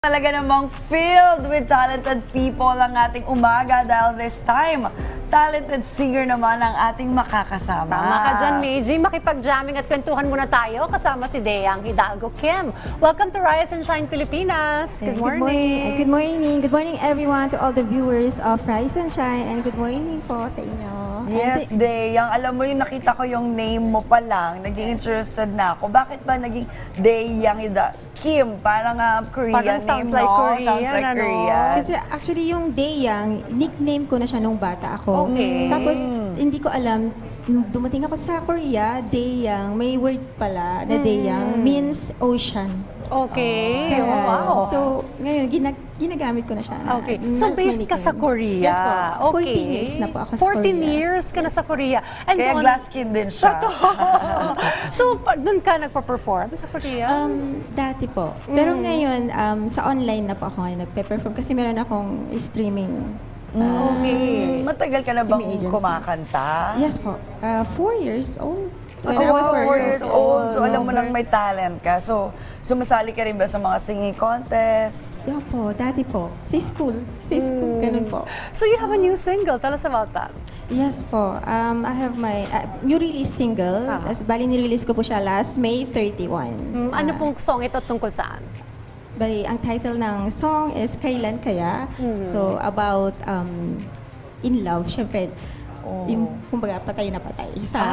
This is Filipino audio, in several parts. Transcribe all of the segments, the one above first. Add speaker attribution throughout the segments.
Speaker 1: Talaga namang filled with talented people ang ating umaga dahil this time, talented singer naman ang ating makakasama.
Speaker 2: Tama ka dyan, Meiji. Makipag-jamming at kwentuhan muna tayo kasama si Deyang Hidalgo Kim. Welcome to Rise and Shine Pilipinas. Good morning.
Speaker 3: Good morning. Good morning everyone to all the viewers of Rise and Shine and good morning po sa inyo.
Speaker 1: Yes, Deyang. Alam mo yung nakita ko yung name mo pa lang, naging interested na ako. Bakit ba naging Deyang Kim? Parang Korean
Speaker 2: Parang
Speaker 1: name,
Speaker 2: sounds like
Speaker 1: no?
Speaker 2: Korean,
Speaker 1: Sounds like
Speaker 2: ano?
Speaker 1: Korean.
Speaker 3: Kasi actually yung Deyang, nickname ko na siya nung bata ako.
Speaker 2: Okay.
Speaker 3: Tapos hindi ko alam, nung dumating ako sa Korea, Deyang, may word pala na Deyang means ocean.
Speaker 2: Okay.
Speaker 3: Kaya,
Speaker 2: Oh, wow.
Speaker 3: So, ngayon, ginagamit ko na siya.
Speaker 2: Okay.
Speaker 3: Mas
Speaker 2: So,
Speaker 3: may
Speaker 2: based ka
Speaker 3: nickname.
Speaker 2: sa Korea.
Speaker 3: Yes po.
Speaker 2: Okay.
Speaker 3: 14 years na po ako sa
Speaker 2: 14
Speaker 3: Korea.
Speaker 2: years ka na sa Korea. And
Speaker 1: Kaya
Speaker 2: doon-
Speaker 1: glass skin din siya.
Speaker 2: So, doon ka nagpa-perform sa Korea?
Speaker 3: Dati po. Pero ngayon, sa online na po ako ngayon nagpe-perform kasi meron akong streaming.
Speaker 2: Okay.
Speaker 1: Matagal ka na bang
Speaker 3: Streaming agency.
Speaker 1: kumakanta?
Speaker 3: Yes po. 4 years old. When
Speaker 1: Oh,
Speaker 3: I was
Speaker 1: 4 years old. So, alam mo
Speaker 2: Okay.
Speaker 1: nang may talent ka. So, sumasali ka rin ba sa mga singing contest?
Speaker 3: Yeah po, dati po. Sa school. Sa school, ganun po.
Speaker 2: So, you have a new single. Tell us about that.
Speaker 3: Yes po. I have my new release single. Bali, nirelease ko po siya last May 31.
Speaker 2: Ano pong song ito tungkol saan?
Speaker 3: Bali, ang title ng song is Kailan Kaya? So, about in love, syempre. Yung, kumbaga, patay na patay.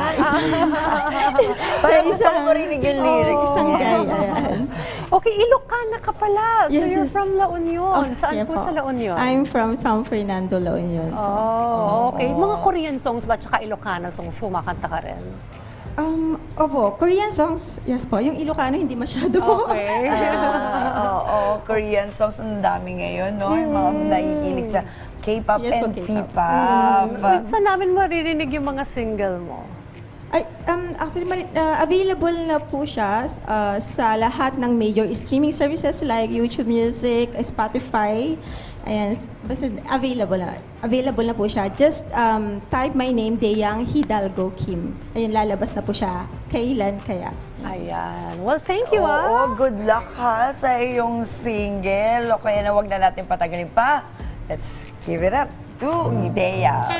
Speaker 1: Parang gusto ko marinig yung lyrics.
Speaker 3: Isang guy, ayan.
Speaker 2: Okay, Ilocana ka pala. So,
Speaker 3: Yes,
Speaker 2: you're
Speaker 3: yes.
Speaker 2: from La Union. Saan
Speaker 3: yeah
Speaker 2: po
Speaker 3: po.
Speaker 2: sa La Union?
Speaker 3: I'm from San Fernando, La Union.
Speaker 2: Oh, okay. Mga Korean songs ba tsaka Ilocana songs kumakanta ka rin?
Speaker 3: Opo, Korean songs, yes po. Yung Ilocano, hindi masyado po.
Speaker 2: Okay.
Speaker 1: Oo, Korean songs ang dami ngayon, no? Yung mga nahihilig sa K-pop
Speaker 3: Yes po,
Speaker 1: and
Speaker 3: K-pop.
Speaker 1: P-pop.
Speaker 2: Saan namin maririnig yung mga single mo?
Speaker 3: Ay, actually, available na po siya sa lahat ng major streaming services like YouTube Music, Spotify. Ayan, basta available na po siya. Just type my name, Deyang Hidalgo Kim. Ayun, lalabas na po siya. Kailan kaya?
Speaker 2: Ayan. Well, thank you,
Speaker 1: Oo, good luck ha sa iyong single. O kaya na wag na natin patagalin pa. Let's give it up to Ideya.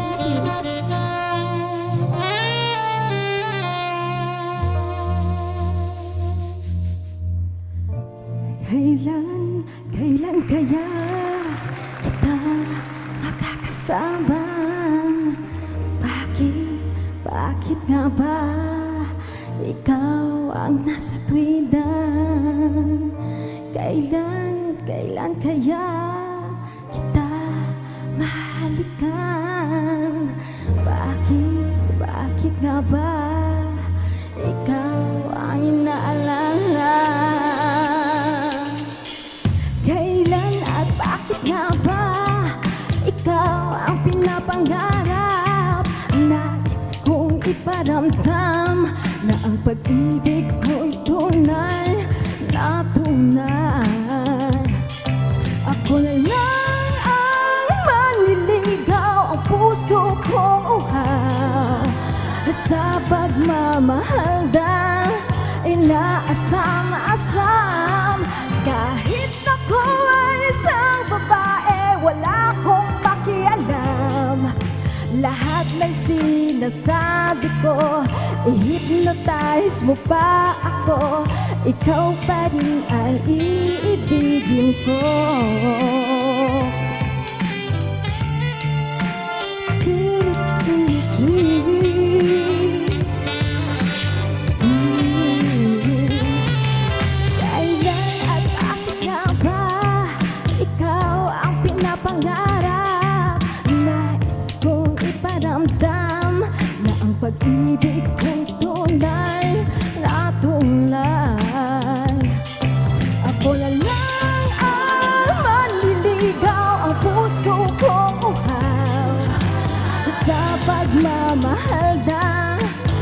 Speaker 3: Kailan kaya kita makakasama? Bakit nga ba ikaw ang nasa tuwida? Kailan kaya kita mahalikan? Bakit nga ba ikaw ang inaalala? Kailan at bakit nga ba ikaw ang pinapangarap? Nais kong iparamdam na ang pag-ibig ko'y tunay na tunay. Ako na lang ang manliligaw, ang puso kong uhaw sa pagmamahal na inaasam-asam. Kahit ako ay isang babae, wala akong pakialam. Lahat ng sinasabi ko, i-hypnotize mo pa ako. Ikaw pa rin ang iibigin ko. Kailan at bakit nga ba ikaw ang pinapangarap? Nais kong iparamdam na ang pag-ibig ko'y tunay na tunay. Ako na lang ang manliligaw, ang puso kong uhaw sa pagmamahal na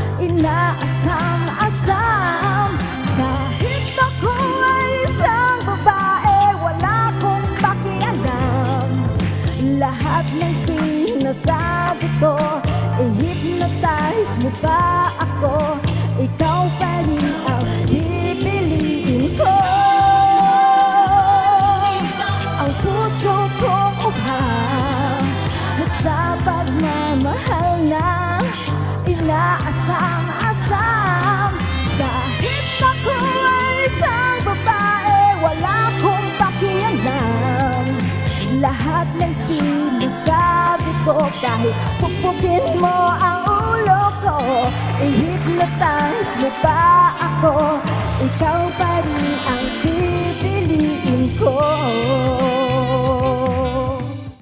Speaker 3: inaasam-asam. Kahit ako ay isang babae, wala akong pakialam. Lahat ng sinasabi ko, i-hypnotize mo pa ako. Ikaw pa rin ang pipiliin ko.
Speaker 4: inaasam-asam. Kahit ako ay isang babae, wala kong pakialam. Lahat ng sinasabi ko, kahit pupukin mo ang ulo ko, i-hypnotize mo pa ako, ikaw pa rin